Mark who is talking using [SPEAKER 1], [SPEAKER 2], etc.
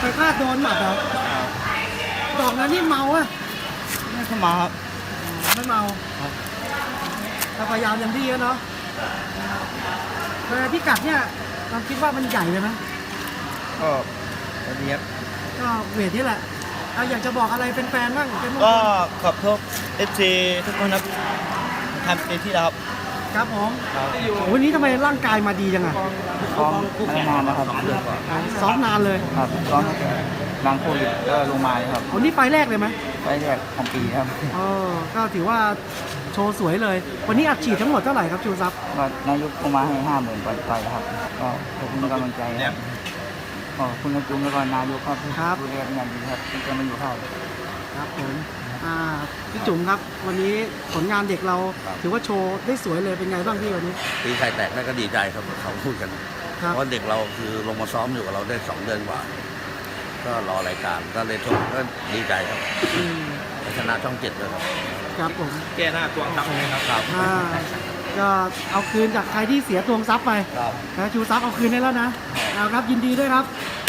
[SPEAKER 1] ไปพลาดโดนหมัดเหรอดอกนั้นนี่เมาอะ
[SPEAKER 2] ไม่เข้ามาครับ
[SPEAKER 1] ไม่เมา
[SPEAKER 2] ครับ
[SPEAKER 1] แต่พยายามอย่างที่เนาะแต่พิกัดเนี่ยเราคิดว่ามันใหญ่เลยไหม
[SPEAKER 2] ก็ระเบียบ
[SPEAKER 1] ก็เวทนี่แหละเอาอยากจะบอกอะไรเป็นแฟนๆบ้างเป็นมงค
[SPEAKER 2] ก็
[SPEAKER 1] ล
[SPEAKER 2] ขอบโทษ FC ทุกคนครับทำเต็มที่แล้วครับ
[SPEAKER 1] ครับผม
[SPEAKER 2] ครับ
[SPEAKER 1] โอ้วันนี้ทำไมร่างกายมาดีจังอะ
[SPEAKER 2] ซ้อมนานนะครับ
[SPEAKER 1] ซ้อมนานเลย
[SPEAKER 2] ครับซ้อมตั้งแต่หลังโควิดก็ลงมาเลยครับ
[SPEAKER 1] วันนี้ไฟล์แรกเลยไหม
[SPEAKER 2] ไปแรกของปีครับ
[SPEAKER 1] ก็ถือว่าโชว์สวยเลย วันนี้อัดฉีดทั้งหมดเท่าไหร่ครับชูซับ
[SPEAKER 2] ก็นายกลงมาให้50,000ไปครับก็ขอบคุณกำลังใจครับขอบคุณนะจุ้มแล้วก็นายกครับดูแลเป็นอย่างดีครับที่จะมาอยู่ค่าย
[SPEAKER 1] ครับผมพี่จุ๋มครับ วันนี้ผลงานเด็กเราถือว่าโชว์ได้สวยเลยเป็นไงบ้างพี่วันนี้
[SPEAKER 3] ตีไข่แตกได้ก็ดีใจครับเขาพูดกัน
[SPEAKER 1] ครับ
[SPEAKER 3] เพราะเด็กเราคือลงมาซ้อมอยู่กับเราได้2 เดือนกว่า ก็รอรายการก็เลยชมก็ดีใจครับ
[SPEAKER 1] อืม
[SPEAKER 3] ชนะช่อง7ด้วยครับ
[SPEAKER 1] ครับผม
[SPEAKER 3] แก้หน้าตัวตับเลยครับ
[SPEAKER 1] ก็เอาคืนจากใครที่เสียตวงทรัพย์ไป
[SPEAKER 3] ครับ
[SPEAKER 1] นะชูทรัพย์เอาคืนได้แล้วนะเอาครับยินดีด้วยครับ